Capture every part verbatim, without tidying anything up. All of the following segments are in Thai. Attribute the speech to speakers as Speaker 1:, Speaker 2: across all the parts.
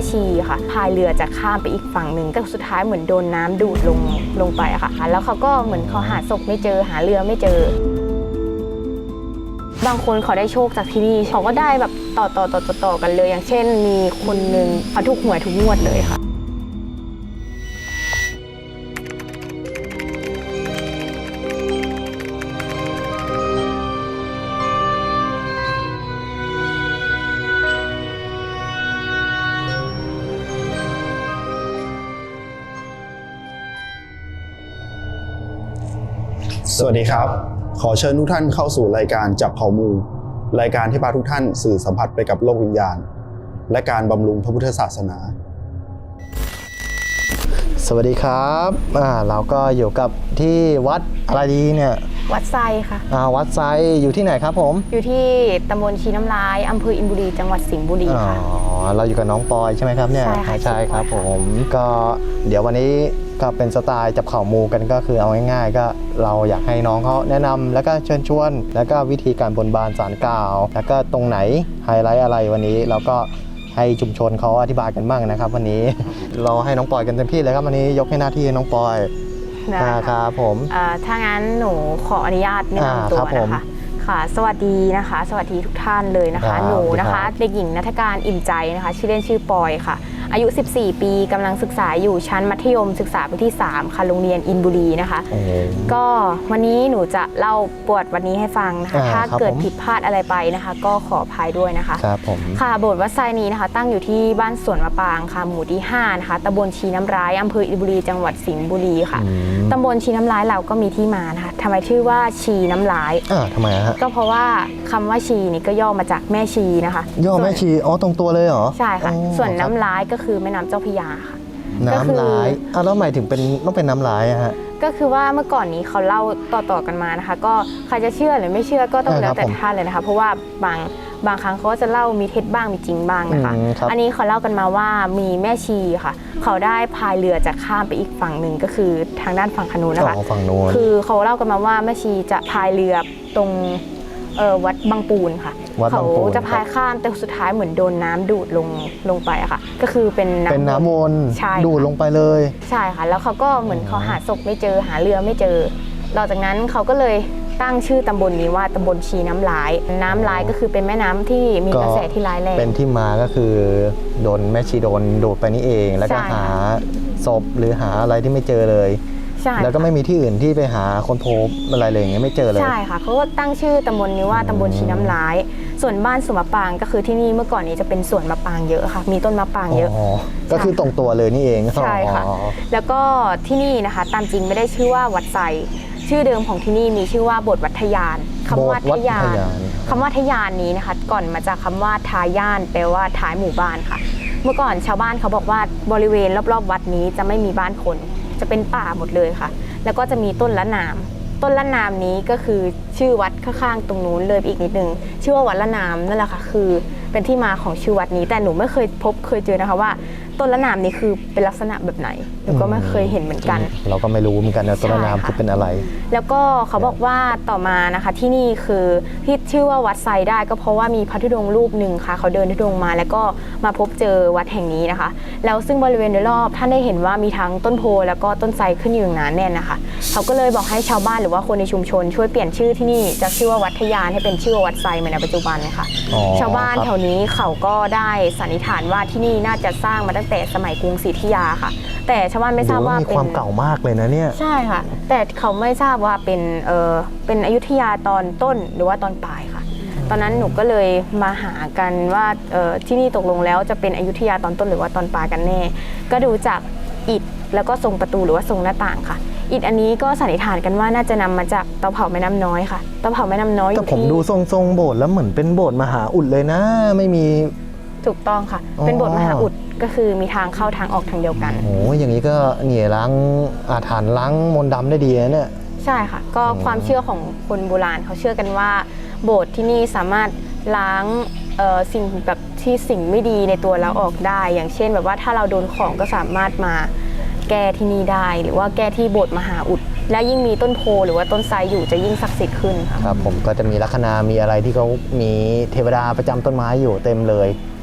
Speaker 1: ชีค่ะพายเรือจะข้ามไปอีกฝั่งหนึ่งแต่สุดท้ายเหมือนโดนน้ำดูดลงลงไปอะค่ะแล้วเขาก็เหมือนเขาหาศพไม่เจอหาเรือไม่เจอบางคนเขาได้โชคจากที่นี่เขาก็ได้แบบต่อต่อต่อต่อต่อกันเลยอย่างเช่นมีคนหนึ่งเขาถูกหวยทุกงวดเลยค่ะ
Speaker 2: สวัสดีครับขอเชิญทุกท่านเข้าสู่รายการจับเผ่ามูรายการที่พาทุกท่านสื่อสัมผัสไปกับโลกวิญญาณและการบำรุงพระพุทธศาสนา
Speaker 3: สวัสดีครับอ่าเราก็อยู่กับที่วัดอะไรดีเนี่ย
Speaker 1: วัดไซค่ะ
Speaker 3: อ่าวัดไซอยู่ที่ไหนครับผม
Speaker 1: อยู่ที่ตำบลชีน้ำลายอำเภออินบุรีจังหวัดสิงห์บุรีค่ะ
Speaker 3: อ๋อเราอยู่กับน้องปอยใช่ไหมครับเนี่ย
Speaker 1: ใช่ค่ะ
Speaker 3: ใช่ครับผมก็เดี๋ยววันนี้ก็เป็นสไตล์จับเข่ามูกันก็คือเอาง่ายๆก็เราอยากให้น้องเขาแนะนำแล้วก็เชิญชวนแล้วก็วิธีการบนบานศาลกล่าวแล้วก็ตรงไหนไฮไลท์อะไรวันนี้เราก็ให้ชุมชนเขาอธิบายกันบ้างนะครับวันนี้ เราให้น้องปอยกันเต็มที่เลยครับวันนี้ยกให้หน้าที่น้องปอยนะครับผม
Speaker 1: ถ้างั้นหนูขออนุญาตแนะนำตัวนะคะค่ะสวัสดีนะคะสวัสดีทุกท่านเลยนะคะหนูนะคะเด็กหญิงณัฐการอิ่มใจนะคะชื่อเล่นชื่อปอยค่ะอายุสิบสี่ปีกำลังศึกษาอยู่ชั้นมัธยมศึกษาปีที่สามค่ะโรงเรียนอินบุรีนะคะก็วันนี้หนูจะเล่าปวดวันนี้ให้ฟังนะคะถ้าเกิดผิดพลาดอะไรไปนะคะก็ขออภัยด้วยนะคะ
Speaker 3: ครับผม
Speaker 1: ค่ะโบสถ์วัดไซนี้นะคะตั้งอยู่ที่บ้านสวนมะปรางค่ะหมู่ที่ห้านะคะตำบลชีน้ำร้ายอำเภออินบุรีจังหวัดสิงห์บุรีค่ะตำบลชีน้ำร้ายเราก็มีที่มานะคะทำไมชื่อว่าชีน้ำร้าย
Speaker 3: อ่าทำไมฮะ
Speaker 1: ก็เพราะว่าคำว่าชีนี่ก็ย่อมาจากแม่ชีนะคะ
Speaker 3: ย่อแม่ชีอ๋อตรงตัวเลยเหรอ
Speaker 1: ใช่ค่ะส่วนน้ำร้ายก็คือแม่น้ำเจ้าพระยาค่ะ
Speaker 3: น้ำร้ายอ่ะแล้วหมายถึงเป็นต้องเป็นน้ำร้ายอะฮะ
Speaker 1: ก็คือว่าเมื่อก่อนนี้เขาเล่าต่อๆกันมานะคะก็ใครจะเชื่อหรือไม่เชื่อก็ต้องแล้วแต่ท่านเลยนะคะเพราะว่าบางบางครั้งเขาจะเล่ามีเท็จบ้างมีจริงบ้างนะคะอันนี้เขาเล่ากันมาว่ามีแม่ชีค่ะเขาได้พายเรือจะข้ามไปอีกฝั่งหนึ่งก็คือทางด้านฝั่งขนูนนะคะคือเขาเล่ากันมาว่าแม่ชีจะพายเรือตรงวัดบางปูนค่ะเขาจะพายข้ามแต่สุดท้ายเหมือนโดนน้ำดูดลงลงไปอะค่ะก็คือเป็น
Speaker 3: เป็นน้ำวนดูดลงไปเลย
Speaker 1: ใช่ค่ะแล้วเขาก็เหมือนเขาหาศพไม่เจอหาเรือไม่เจอหลังจากนั้นเขาก็เลยตั้งชื่อตำบลนี้ว่าตำบลชีน้ำร้ายน้ำร้ายก็คือเป็นแม่น้ำที่มีกระแสที่ร้ายแรง
Speaker 3: เป็นที่มาก็คือโดนแม่ชีโดนดูดไปนี่เองแล้วก็หาศพหรือหาอะไรที่ไม่เจอเลยแล้วก็ไม่มีที่อื่นที่ไปหาคนพบอะไรเลยอย่างเงี้ยไม่เจอเลย
Speaker 1: ใช่ค่ะเขาก็ตั้งชื่อตำบลนี้ว่าตำบลชีน้ำร้ายส่วนบ้านสวนมะปรางก็คือที่นี่เมื่อก่อนนี้จะเป็นสวนมะปรางเยอะค่ะมีต้นมะปรางเยอะ
Speaker 3: ก็คือตรงตัวเลยนี่เอง
Speaker 1: ใช่ค่ะแล้วก็ที่นี่นะคะตามจริงไม่ได้ชื่อว่าวัดไซชื่อเดิมของที่นี่มีชื่อว่าโบสถ์วัดทยานคำว่าทยานคำว่าทยานนี้นะคะก่อนมาจากคำว่าทาย่านแปลว่าท้ายหมู่บ้านค่ะเมื่อก่อนชาวบ้านเขาบอกว่าบริเวณรอบๆวัดนี้จะไม่มีบ้านคนจะเป็นป่าหมดเลยค่ะแล้วก็จะมีต้นละนามต้นละนามนี้ก็คือชื่อวัดข้างๆตรงนู้นเลยอีกนิดนึงชื่อว่าวัดละนามนั่นแหละค่ะคือเป็นที่มาของชื่อวัดนี้แต่หนูไม่เคยพบเคยเจอนะคะว่าต้นละนามนี้คือเป็นลักษณะแบบไหนหนูก็ไม่เคยเห็นเหมือนกัน
Speaker 3: เราก็ไม่รู้เหมือนกันนะต้นละนามคือเป็นอะไร
Speaker 1: แล้วก็เขาบอกว่าต่อมานะคะที่นี่คือที่ชื่อว่าวัดไซได้ก็เพราะว่ามีพระธุดงค์รูปหนึ่งค่ะเขาเดินธุดงค์มาแล้วก็มาพบเจอวัดแห่งนี้นะคะแล้วซึ่งบริเวณโดยรอบท่านได้เห็นว่ามีทั้งต้นโพแล้วก็ต้นไทรขึ้นอยู่อย่างหนาแน่นนะคะเขาก็เลยบอกให้ชาวบ้านหรือว่าคนในชุมชนช่วยเปลี่ยนชื่อที่นี่จากชื่อว่าวัดทยานให้เป็นชื่อว่าวัดไซเหมือนในปัจจุบันนะคะชาวบ้านแถวนี้เขาก็ได้สันนิษฐานว่าที่นี่น่าจะสร้างมาตั้งแต่สมัยกรุงศรีอยุธยาค่ะแต่ชาวบ้านไม่ทราบว่า
Speaker 3: เป็นความเก่ามากเลยนะเนี่ย
Speaker 1: ใช่ค่ะแต่เขาไม่ทราบว่าเป็นเออเป็นอยุธยาตอนต้นหรือว่าตอนปลายค่ะตอนนั้นหนูก็เลยมาหากันว่าเออที่นี่ตกลงแล้วจะเป็นอยุธยาตอนต้นหรือว่าตอนปลายกันแน่ก็ดูจากอิฐแล้วก็ทรงประตูหรือว่าทรงหน้าต่างค่ะอิฐอันนี้ก็สันนิษฐานกันว่าน่าจะนำมาจากเตาเผาแม่น้ำน้อยค่ะเตาเผาแม่น้ำน้อย
Speaker 3: แต่ผมดูทรงทรงโบสถ์แล้วเหมือนเป็นโบสถ์มหาอุดเลยนะไม่มี
Speaker 1: ถูกต้องค่ะเป็นโบสถ์มหาอุดก็คือมีทางเข้าทางออกทางเดียวกัน
Speaker 3: โอ้อย่างนี้ก็เหนี่ยล้างอาถรรพ์ล้างมนต์ดำได้ดีนะเนี่ย
Speaker 1: ใช่ค่ะก็ความเชื่อของคนโบราณเขาเชื่อกันว่าโบสถ์ที่นี่สามารถล้างสิ่งแบบที่สิ่งไม่ดีในตัวเราออกได้อย่างเช่นแบบว่าถ้าเราโดนของก็สามารถมาแก้ที่นี่ได้หรือว่าแก้ที่โบสถ์มหาอุดและยิ่งมีต้นโพหรือว่าต้นไทรอยู่จะยิ่งศักดิ์สิทธิ์ขึ้นค่ะ
Speaker 3: ครับผมก็จะมีลัคนามีอะไรที่เขามีเทวดาประจำต้นไม้อยู่เต็มเลย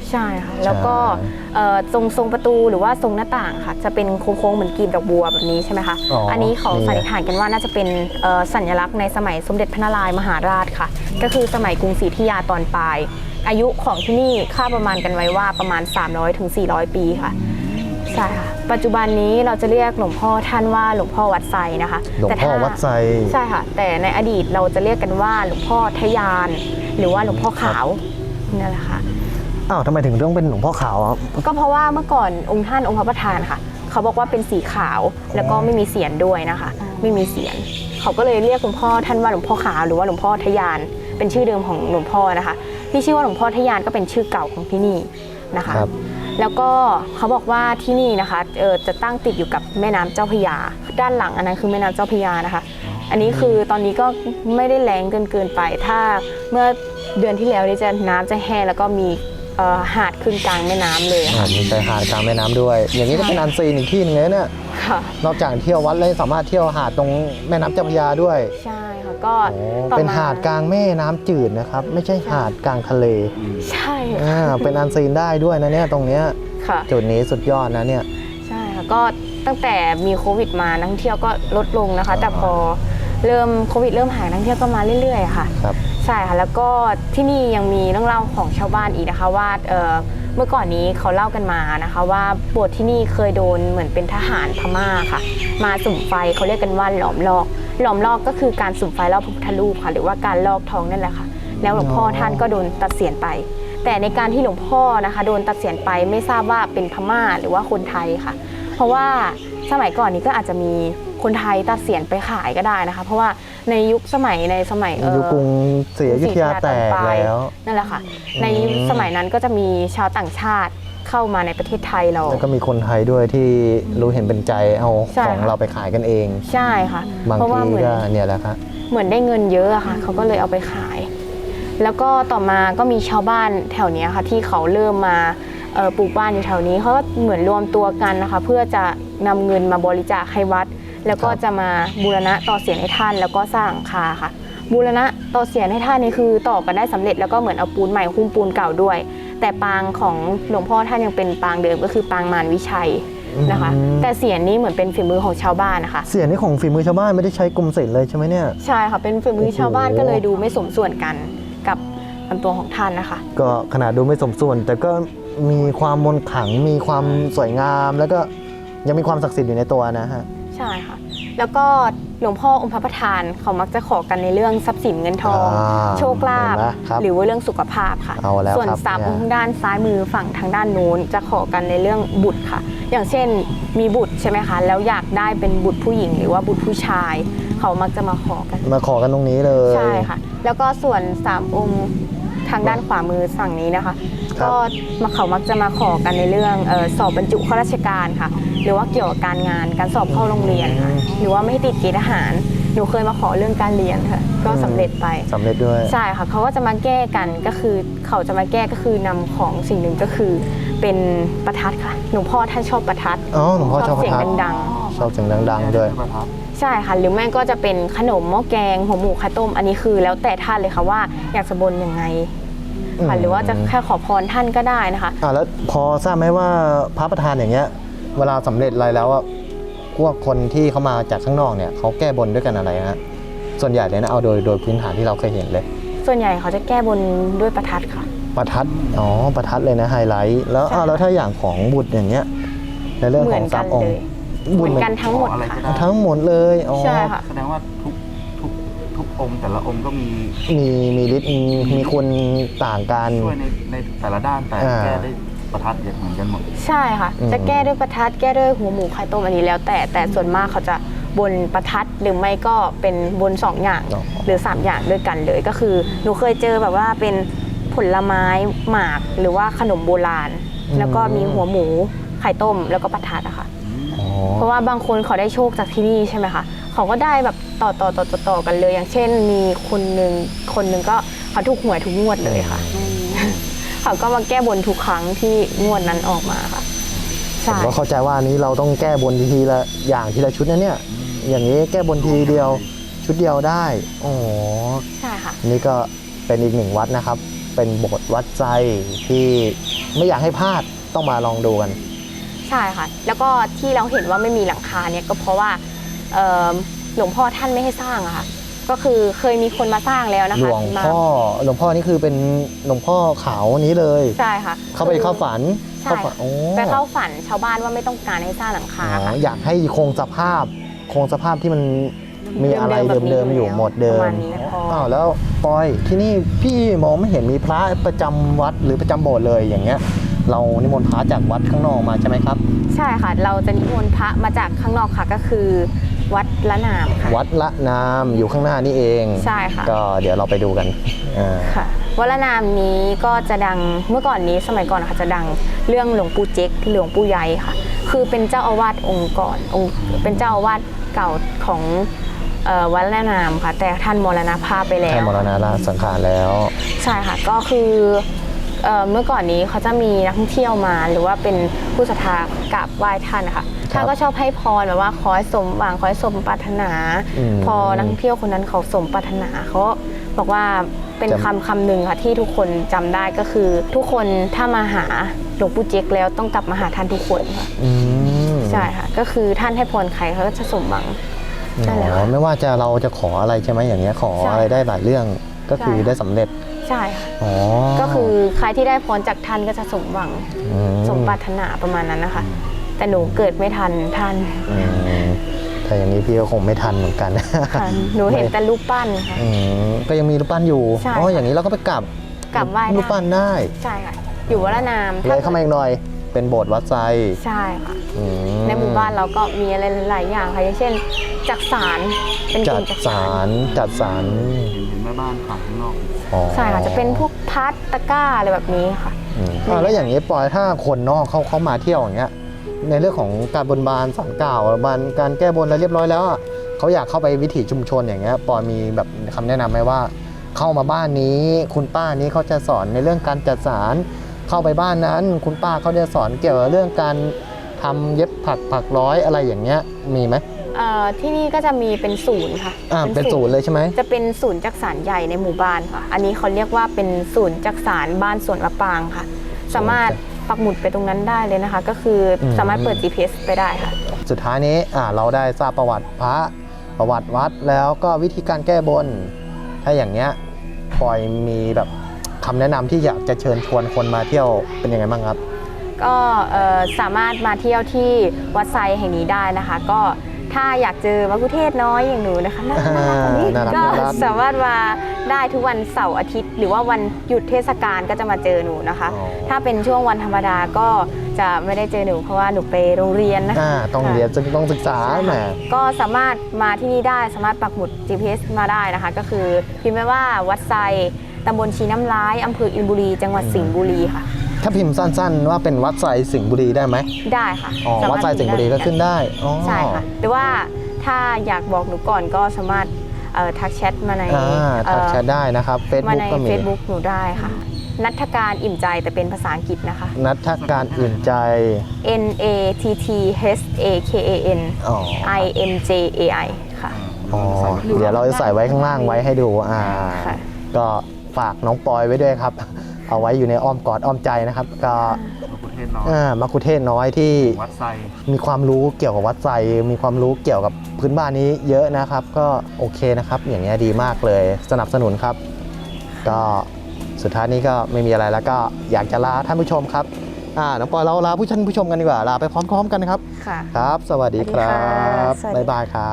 Speaker 1: ใช่ค่ะแล้วก็เอ่อทรงทรงประตูหรือว่าทรงหน้าต่างค่ะจะเป็นโค้งๆเหมือนกลีบดอกบัวแบบนี้ใช่ไหมคะ
Speaker 3: อ๋ออั
Speaker 1: อันนี้เขา
Speaker 3: นี่
Speaker 1: สันนิษฐานกันว่าน่าจะเป็นเอ่อสัญลักษณ์ในสมัยสมเด็จพระนารายณ์มหาราชค่ะ ก็คือสมัยกรุงศรีอยุธยาตอนปลาย อายุของที่นี่คาดประมาณกันไว้ว่าประมาณ สามร้อยถึงสี่ร้อย ปีค่ะใช่ค่ะปัจจุบันนี้เราจะเรียกหลวงพ่อท่านว่าหลวงพ่อวัดไซนะคะ
Speaker 3: หลวง
Speaker 1: แต่
Speaker 3: พ่อ
Speaker 1: ถ้า
Speaker 3: วัดไซ
Speaker 1: ใช่ค่ะแต่ในอดีตเราจะเรียกกันว่าหลวงพ่อทะยาน หรือว่าหลวงพ่อขาวนั่นแหละค่ะ
Speaker 3: อ้าวทำไมถึงต้องเป็นหลวงพ่อขาวอ่ะ
Speaker 1: ก็เพราะว่าเมื่อก่อนองค์ท่านองค์พระประธานค่ะเขาบอกว่าเป็นสีขาวแล้วก็ไม่มีเสียนด้วยนะคะ ไม่มีเสียนเขาก็เลยเรียกหลวงพ่อท่านว่าหลวงพ่อขาวหรือว่าหลวงพ่อทะยานเป็นชื่อเดิมของหลวงพ่อนะคะที่ชื่อว่าหลวงพ่อทะยานก็เป็นชื่อเก่าของที่นี่นะคะ
Speaker 3: ครับ
Speaker 1: แล้วก็เขาบอกว่าที่นี่นะคะเออจะตั้งติดอยู่กับแม่น้ำเจ้าพระยาด้านหลังอันนั้นคือแม่น้ำเจ้าพระยานะคะ อันนี้คือตอนนี้ก็ไม่ได้แรงเกินเกินไป ถ้าเมื่อเดือนที่แล้วนี่จะน้ำจะแห้งแล้วก็มีเอ่อหาดขึ้นกลางแม่น้ำเลย
Speaker 3: อ่า
Speaker 1: ค่ะ
Speaker 3: มีชายหาดกลางแม่น้ำด้วย อย่างนี้ก็เป็นอันซีนอีกที่หนึงเลยเนี่ย
Speaker 1: ค่ะ
Speaker 3: นอกจากเที่ยววัดแล้วยังสามารถเที่ยวหาดตรงแม่น้ำเจ้าพระยาด้วย
Speaker 1: ใช่ค่ะก็
Speaker 3: โอ้
Speaker 1: ต่อ
Speaker 3: เป็น
Speaker 1: ม
Speaker 3: หาดกลางแม่น้ำจืดนะครับ ไม่ใช่หาดกลางทะเล
Speaker 1: ใช่
Speaker 3: อ่า
Speaker 1: ค่ะ
Speaker 3: เป็นอันซีนได้ด้วยนะเนี่ยตรงเนี้ย
Speaker 1: ค่ะ
Speaker 3: จุดนี้สุดยอดนะเนี่ย
Speaker 1: ใช่ค่ะก็ตั้งแต่มีโควิดมานักท่องเที่ยวก็ลดลงนะคะ แต่พอเริ่มโควิดเริ่มหายนักท่องเที่ยวก็มาเรื่อยๆค่ะ
Speaker 3: ครับ
Speaker 1: ใช่ค่ะแล้วก็ที่นี่ยังมีเรื่องเล่าของชาวบ้านอีกนะคะว่าเอ่อเมื่อก่อนนี้เขาเล่ากันมานะคะว่าโบสถ์ที่นี่เคยโดนเหมือนเป็นทหารพม่าค่ะ มาสุ่มไฟเขาเรียกกันว่าหลอมลอกหลอมลอกก็คือการสุ่มไฟรอบพระพุทธรูปค่ะหรือว่าการลอกทองนั่นแหละค่ะแล้วหลวงพ่อท่านก็โดนตัดเสียนไป แต่ในการที่หลวงพ่อนะคะโดนตัดเสียนไปไม่ทราบว่าเป็นพม่าหรือว่าคนไทยค่ะ เพราะว่าสมัยก่อนนี้ก็อาจจะมีคนไทยตัดเสียนไปขายก็ได้นะคะ เพราะว่าในยุคสมัยในสมัยเอ่อ
Speaker 3: ยุคกรุงศรีอยุธยาแตกแล้ว
Speaker 1: นั่นแหละค่ะในยุคสมัยนั้นก็จะมีชาวต่างชาติเข้ามาในประเทศไทยเรา
Speaker 3: แล้วก็มีคนไทยด้วยที่รู้เห็นเป็นใจเอา
Speaker 1: ใช่
Speaker 3: ของ
Speaker 1: ค่ะ
Speaker 3: เราไปขายกันเอง
Speaker 1: ใช่ค่ะ
Speaker 3: บาง
Speaker 1: เพราะว่า
Speaker 3: ที
Speaker 1: เหมือน
Speaker 3: ก็เนี่ยแหละครับ
Speaker 1: เหมือนได้เงินเยอะอะค่ะเขาก็เลยเอาไปขาย แล้วก็ต่อมาก็มีชาวบ้านแถวเนี้ยค่ะที่เขาเริ่มมาเอ่อปลูกบ้านอยู่แถวนี้เขาก็เหมือนรวมตัวกันนะคะ เพื่อจะนำเงินมาบริจาคให้วัด แล้วก็
Speaker 3: ครับ
Speaker 1: จะมาบูรณะต่อเสียนให้ท่าน แล้วก็สร้างหลังคาค่ะ บูรณะต่อเสียนให้ท่านนี่คือต่อกันได้สำเร็จแล้วก็เหมือนเอาปูนใหม่หุ้มปูนเก่าด้วย แต่ปางของหลวงพ่อท่านยังเป็นปางเดิมก็คือปางมารวิชัยนะคะ
Speaker 3: อืม
Speaker 1: แต่เสียนนี้เหมือนเป็นฝีมือของชาวบ้านนะคะ
Speaker 3: เสียงนี่ของฝีมือชาวบ้านไม่ได้ใช้กรมศิลป์เลยใช่ไหมเนี่ย
Speaker 1: ใช่ค่ะเป็นฝีมือชาวบ้าน
Speaker 3: โอ้โห
Speaker 1: ก็เลยดูไม่สมส่วนกันกับลำตัวของท่านนะคะ
Speaker 3: ก็ขนาดดูไม่สมส่วน แต่ก็มีความมนต์ขลังมีความสวยงาม แล้วก็ยังมีความศักดิ์สิทธิ์อยู่ในตัวนะฮะ
Speaker 1: ใช่ค่ะ แล้วก็หลวงพ่อองค์พระประธานเขามักจะขอกันในเรื่องทรัพย์สินเงินทอง
Speaker 3: อ่า
Speaker 1: โชคลาภ
Speaker 3: เห็นไหมครับ
Speaker 1: หรือว่าเรื่องสุขภาพค่ะ
Speaker 3: เอาแล้ว
Speaker 1: ส่วน
Speaker 3: ครับ
Speaker 1: สาม
Speaker 3: เนี่ย
Speaker 1: องค์ด้านซ้ายมือฝั่งทางด้านนู้นจะขอกันในเรื่องบุตรค่ะ อย่างเช่นมีบุตรใช่ไหมคะแล้วอยากได้เป็นบุตรผู้หญิง หรือว่าบุตรผู้ชาย เขามักจะมาขอกัน
Speaker 3: มาขอกันตรงนี้เลย
Speaker 1: ใช่ค่ะ แล้วก็ส่วนสามองค์ทางด้านขวามือฝั่งนี้นะคะ
Speaker 3: ครับ
Speaker 1: ก็มาเขามักจะมาขอกันในเรื่องเออสอบบรรจุข้าราชการค่ะ หรือว่าเกี่ยวกับการงานการสอบเข้าโรงเรียนค่ะ หรือว่าไม่ให้ติดเกณฑ์ทหาร หนูเคยมาขอเรื่องการเรียนค่ะ ก็สำเร็จไป
Speaker 3: สำเร็จด้วย
Speaker 1: ใช่ค่ะ เขาก็จะมาแก้กันก็คือเขาจะมาแก้ก็คือนำของสิ่งหนึ่งก็คือเป็นประทัดค่ะ หลวงพ่อท่านชอบประทัด
Speaker 3: อ๋อหลวงพ่อชอบประ
Speaker 1: เสียง
Speaker 3: ทัด
Speaker 1: ดัง
Speaker 3: ชอบเสียงดังๆด้วย
Speaker 1: ๆ ใช่ค่ะ หรือไม่ก็จะเป็นขนมหม้อแกงหัวหมูไข่ต้ม อันนี้คือแล้วแต่ท่านเลยค่ะว่าอยากจะบนยังไงค่ะ
Speaker 3: อืม
Speaker 1: หรือว่าจะแค่ขอพรท่านก็ได้นะคะ
Speaker 3: อ่าแล้วพอทราบไหมว่าพระประธานอย่างเงี้ย เวลาสำเร็จอะไรแล้วอะพวกคนที่เขามาจากข้างนอกเนี่ยเขาแก้บนด้วยกันอะไรฮะส่วนใหญ่เลยนะเอาโดยโดยพื้นฐานที่เราเคยเห็นเลย
Speaker 1: ส่วนใหญ่เขาจะแก้บนด้วยประทัดค่ะ
Speaker 3: ประทัดอ๋อประทัดเลยนะไฮไลท์แล้ว
Speaker 1: ใช่
Speaker 3: อ้าวแล้วถ้าอย่างของบุตรอย่างเงี้ยในเรื่อง
Speaker 1: เห
Speaker 3: ข
Speaker 1: มื
Speaker 3: อน ง
Speaker 1: กั
Speaker 3: สาน มอง
Speaker 1: เล
Speaker 3: ค์
Speaker 1: ยเหมือนกันทั้งหมด
Speaker 4: ขออะไร
Speaker 1: ค่ะ
Speaker 4: ก็ได้
Speaker 3: ทั้งหมดเลยอ๋อ
Speaker 1: ใช่ค่ะ
Speaker 4: แสดงว่าทุกทุกทุกองค์แต่ละองค์ก็มี
Speaker 3: มีมีฤทธิ์มีมีคนต่างกัน
Speaker 4: ช่วยในในแต่ละด้านแต่
Speaker 3: อ่า
Speaker 4: แก้ได้ประทัดเหมือนกันหมด
Speaker 1: ใช่ค่ะ
Speaker 3: อืม
Speaker 1: จะแก้ด้วยประทัดแก้ด้วยหัวหมูไข่ต้มอันนี้แล้ว แต่แต่ส่วนมากเขาจะบนประทัดหรือไม่ก็เป็นบนสองอย่าง
Speaker 3: อ๋อ
Speaker 1: หรือสามอย่างด้วยกันเลยก็คือหนูเคยเจอแบบว่าเป็นผลไม้หมากหรือว่าขนมโบราณ แล้วก็มีหัวหมูไข่ต้มแล้วก็ประทัดอะค่ะ
Speaker 3: อ๋อ
Speaker 1: เพราะว่าบางคนเขาได้โชคจากที่นี่ใช่ไหมคะเขาก็ได้แบบต่อต่อต่อต่อต่อกันเลย อย่างเช่นมีคนหนึ่งคนหนึ่งก็เขาถูกหวยทุกงวดเลยค่ะ เขาก็มาแก้บนทุกครั้งที่งวดนั้นออกมาค่ะ
Speaker 3: ผม
Speaker 1: ใช่
Speaker 3: ก็เข้าใจว่าอันนี้เราต้องแก้บนทีละอย่างทีละชุดนะเนี่ยอย่างนี้แก้บนทีเดียวชุดเดียวได้โอ้โห
Speaker 1: ใช่ค่ะ
Speaker 3: นี่ก็เป็นอีกหนึ่งวัดนะครับ เป็นโบสถ์วัดใจที่ไม่อยากให้พลาดต้องมาลองดูกัน
Speaker 1: ใช่ค่ะ แล้วก็ที่เราเห็นว่าไม่มีหลังคาเนี่ยก็เพราะว่าเอ่อหลวงพ่อท่านไม่ให้สร้างอะค่ะก็คือเคยมีคนมาสร้างแล้วนะ
Speaker 3: หล
Speaker 1: คะ
Speaker 3: วง
Speaker 1: มา
Speaker 3: พ่อหลวงพ่อนี่คือเป็นหลวงพ่อขาวนี้เลย
Speaker 1: ใช่ค่ะ
Speaker 3: เข้าไปเข้าฝัน
Speaker 1: ใช่
Speaker 3: เข้าฝันโอ้
Speaker 1: ไปเข้าฝันชาวบ้านว่าไม่ต้องการให้สร้างหลังคา
Speaker 3: อ๋อ
Speaker 1: ค่ะ
Speaker 3: อยากให้คงสภาพคงสภาพที่มันมีอะไร
Speaker 1: เดิมๆแบบนี้
Speaker 3: เดิมๆอยู่หมดเดิ
Speaker 1: ประ
Speaker 3: ม
Speaker 1: มาณนี้พอ
Speaker 3: อ้าวแล้วปอยที่นี่พี่มองไม่เห็นมีพระประจำวัดหรือประจำโบสถ์เลยอย่างเงี้ยเรานิมนต์พระจากวัดข้างนอกมาใช่ไหมครับ
Speaker 1: ใช่ค่ะ เราจะนิมนต์พระมาจากข้างนอกค่ะก็คือ วัดละนามค่ะ
Speaker 3: วัดละนามอยู่ข้างหน้านี่เอง
Speaker 1: ใช่ค่ะ
Speaker 3: ก็เดี๋ยวเราไปดูกันอ่า
Speaker 1: ค่ะวัดละนามนี้ก็จะดังเมื่อก่อนนี้สมัยก่อนนะคะจะดังเรื่องหลวงปู่เจ๊กหลวงปู่ใหญ่ค่ะ คือเป็นเจ้าอาวาสองค์ก่อนองค์เป็นเจ้าอาวาสเก่าของเอ่อวัดละนามค่ะ แต่ท่านมรณภาพไปแล้
Speaker 3: ท่าน
Speaker 1: ว
Speaker 3: มรณราชสังขารแล้ว
Speaker 1: ใช่ค่ะก็คือเอ่อเมื่อก่อนนี้เขาจะมีนักท่องเที่ยวมาหรือว่าเป็นผู้ศรัทธากราบไหว้ท่านนะคะท่านก็ชอบให้พรแบบว่าขอให้สมหวังขอให้สมปรารถนา
Speaker 3: อืม
Speaker 1: พอนักท่องเที่ยวคนนั้นเขาสมปรารถนาเขาบอกว่าเป็น
Speaker 3: จำ
Speaker 1: คำคำหนึ่งค่ะที่ทุกคนจำได้ก็คือ ทุกคนถ้ามาหาหลวงปู่เจ๊กแล้วต้องกลับมาหาท่านทุกคนค่ะ
Speaker 3: อืม
Speaker 1: ใช่ค่ะก็คือท่านให้พรใครเขาก็จะสมหวัง ใช่แล้ว
Speaker 3: อ๋อไม่ว่าจะเราจะขออะไรใช่ไหมอย่างเงี้ยขอ
Speaker 1: ใช่
Speaker 3: อะไรได้หลายเรื่องก็คือ
Speaker 1: ใช่ค่ะ
Speaker 3: ได้สำเร็จ
Speaker 1: ใช่ค่ะ
Speaker 3: อ๋อ
Speaker 1: ก็คือใครที่ได้พรจากท่านก็จะสมหวัง
Speaker 3: ม
Speaker 1: สมปรารถนาประมาณนั้นนะคะ แต่หนูเกิดไม่ทันท่าน
Speaker 3: อืมถ้าอย่างนี้พี่ก็คงไม่ทันเหมือนกัน
Speaker 1: ค่ะหนูเห็นแต่รูปปั้นค่ะ
Speaker 3: อืมก็ยังมีรูปปั้นอยู่
Speaker 1: ใช่
Speaker 3: อ๋ออย่างนี้เราก็ไปกลับ
Speaker 1: กลับไหว้
Speaker 3: รูปปั้นได้
Speaker 1: ใช่ค่ะ อยู่วัดละนาม
Speaker 3: เลยเข้ามาอีกหน่อยเป็นโบสถ์วัดไซ
Speaker 1: ใช่ค่ะ
Speaker 3: อืม
Speaker 1: ในหมู่บ้านเราก็มีอะไรหลายๆอย่างค่ะอย่างเช่นจักสารเป็นก
Speaker 3: จั
Speaker 1: ลุ่
Speaker 3: ด
Speaker 1: มจัก
Speaker 3: สารจัดสาร
Speaker 4: เห็นเห็นแม่บ้านขายข้างนอก
Speaker 3: อ๋อ
Speaker 1: ใช่ค่ะจะเป็นพวกพัดตะกร้าอะไรแบบนี้ค่ะ
Speaker 3: อืมอ่าแล้วอย่างนี้ปอยถ้าคนนอกเขาเขามาเที่ยวอย่างเงี้ยในเรื่องของการบนบานสารกล่าวบานการแก้บนอะไรเรียบร้อยแล้วอะเขาอยากเข้าไปวิถีชุมชนอย่างเงี้ยปอยมีแบบคำแนะนำไหมว่า เข้ามาบ้านนี้คุณป้านี้เขาจะสอนในเรื่องการจัดสารเข้าไปบ้านนั้น คุณป้าเขาจะสอนเกี่ยวกับเรื่องการทำเย็บผักผักร้อยอะไรอย่างเงี้ยมีไหม
Speaker 1: เอ่อที่นี่ก็จะมีเป็นศูนย์ค่ะ
Speaker 3: อ่าเป็นศูนย์เลยใช่ไหม
Speaker 1: จะเป็นศูนย์จักสารใหญ่ในหมู่บ้านค่ะ อันนี้เขาเรียกว่าเป็นศูนย์จักสารบ้านสวนมะปรางค่ะ สามารถปักหมุดไปตรงนั้นได้เลยนะคะ ก็คืออ
Speaker 3: ม
Speaker 1: สามารถเปิด จี พี เอส ไปได้ค่ะ
Speaker 3: สุดท้ายนี้อ่าเราได้ทราบประวัติพระประวัติวัดแล้วก็วิธีการแก้บน ถ้าอย่างเงี้ยปอยมีแบบคำแนะนำที่อยากจะเชิญชวนคนมาเที่ยวเป็นยังไงบ้างครับ
Speaker 1: ก็เอ่อสามารถมาเที่ยวที่วัดไซแห่งนี้ได้นะคะ ก็ถ้าอยากเจอมะกุเทศน้อยอย่างหนูนะคะน่ารักๆแบบนี้
Speaker 3: น่ารัก
Speaker 1: ก็
Speaker 3: น่ารัก
Speaker 1: สามารถมาได้ทุกวันเสาร์อาทิตย์ หรือว่าวันหยุดเทศกาลก็จะมาเจอหนูนะคะ
Speaker 3: อ๋อ
Speaker 1: ถ้าเป็นช่วงวันธรรมดาก็จะไม่ได้เจอหนูเพราะว่าหนูไปโรงเรียนนะคะ
Speaker 3: อ่าต้องเรียนต้องศึกษาแหม
Speaker 1: ก็สามารถมาที่นี่ได้สามารถปักหมุด จี พี เอส มาได้นะคะ ก็คือพิมพ์ไว้ว่าวัดไซตำบลชีน้ำร้ายอำเภออินบุรี จังหวัดสิงห์บุรีค่ะ
Speaker 3: ถ้าพิมพ์สั้นๆ ว่าเป็นวัดไซสิงห์บุรีได้ไหม
Speaker 1: ได้ค่ะ
Speaker 3: อ๋อ
Speaker 1: สามารถ
Speaker 3: วัดไซสิงห์บุรีก็ขึ้นได้อ๋อ
Speaker 1: ใช่ค่ะ แต่ว่าถ้าอยากบอกหนูก่อนก็สามารถเอ่อทักแชทมาใน
Speaker 3: อ่า
Speaker 1: เอ่
Speaker 3: ทัก
Speaker 1: อ
Speaker 3: แชทได้นะครับ
Speaker 1: มา
Speaker 3: Facebook
Speaker 1: ใน
Speaker 3: ก็มี
Speaker 1: Facebook หนูได้ค่ะ นัทการอิ่มใจแต่เป็นภาษาอังกฤษนะคะ
Speaker 3: นัทการอื่นใจ
Speaker 1: N A T T H A K A N
Speaker 3: อ๋อ
Speaker 1: I M J A I ค่ะ
Speaker 3: อ๋อเดี๋ยวเราจะใส่ไว้ข้างล่างไว้ให้ดูอ่า
Speaker 1: ค่ะ
Speaker 3: ก็ฝากน้องปอยไว้ด้วยครับ เอาไว้อยู่ในอ้อมกอดอ้อมใจนะครับ ก็
Speaker 4: มะกุเทศน้อย
Speaker 3: อ่ามักคุเทศน้อยที่
Speaker 4: วัดไซ
Speaker 3: มีความรู้เกี่ยวกับวัดไซมีความรู้เกี่ยวกับพื้นบ้านนี้เยอะนะครับ ก็โอเคนะครับ อย่างเงี้ยดีมากเลย สนับสนุนครับ ก็สุดท้ายนี้ก็ไม่มีอะไรแล้วก็อยากจะลาท่านผู้ชมครับอ่าน้องปอยเราลาผู้ท่านผู้ชมกันดีกว่าลาไปพร้อมๆกันนะครับ
Speaker 1: ค่ะ
Speaker 3: ครับ สวัสดีครับ
Speaker 1: สวัสดีค่ะ
Speaker 3: บ๊ายบายครับ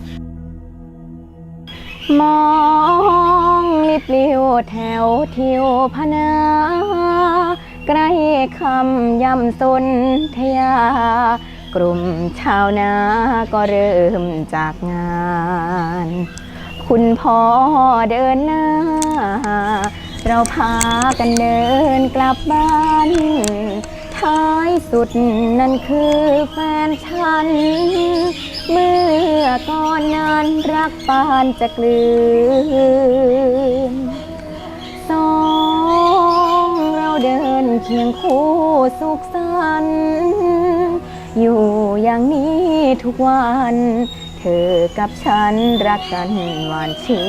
Speaker 1: มองลิบลิวแถวทิวพนาใกล้คำย่ำสนทยา กลุ่มชาวนาก็เริ่มจากงาน คุณพ่อเดินหน้า เราพากันเดินกลับบ้าน ท้ายสุดนั่นคือแฟนฉัน เมื่อก่อนนั้นรักปานจะกลืนสองเราเดินเคียงคู่สุขสันต์อยู่อย่างนี้ทุกวัน เธอกับฉันรักกันหวานชื่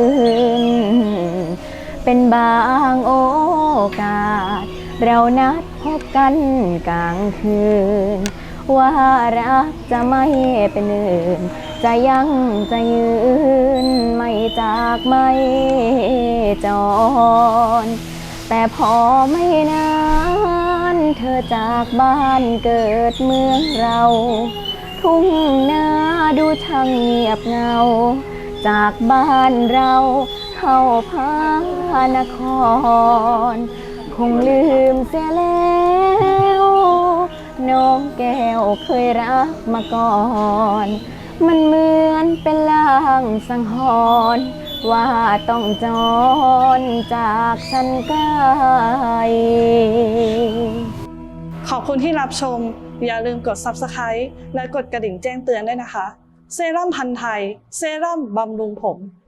Speaker 1: น เป็นบางโอกาส เรานัดพบกันกลางคืนว่ารักจะไม่เป็นอื่นจะยังจะยืนไม่จากไม่จรแต่พอไม่นานเธอจากบ้านเกิดเมืองเราทุ่งนาดูช่างเงียบเหงาจากบ้านเราเข้าพานครคงลืมเสียแล้วน้องแก้วเคยรักมาก่อนมันเหมือนเป็นลางสังหรณ์ว่าต้องจรจากฉันไกล
Speaker 5: ขอบคุณที่รับชมอย่าลืมกด ซับสไครบ์ และกดกระดิ่งแจ้งเตือนด้วยนะคะเซรั่มพันธุ์ไทยเซรั่มบำรุงผม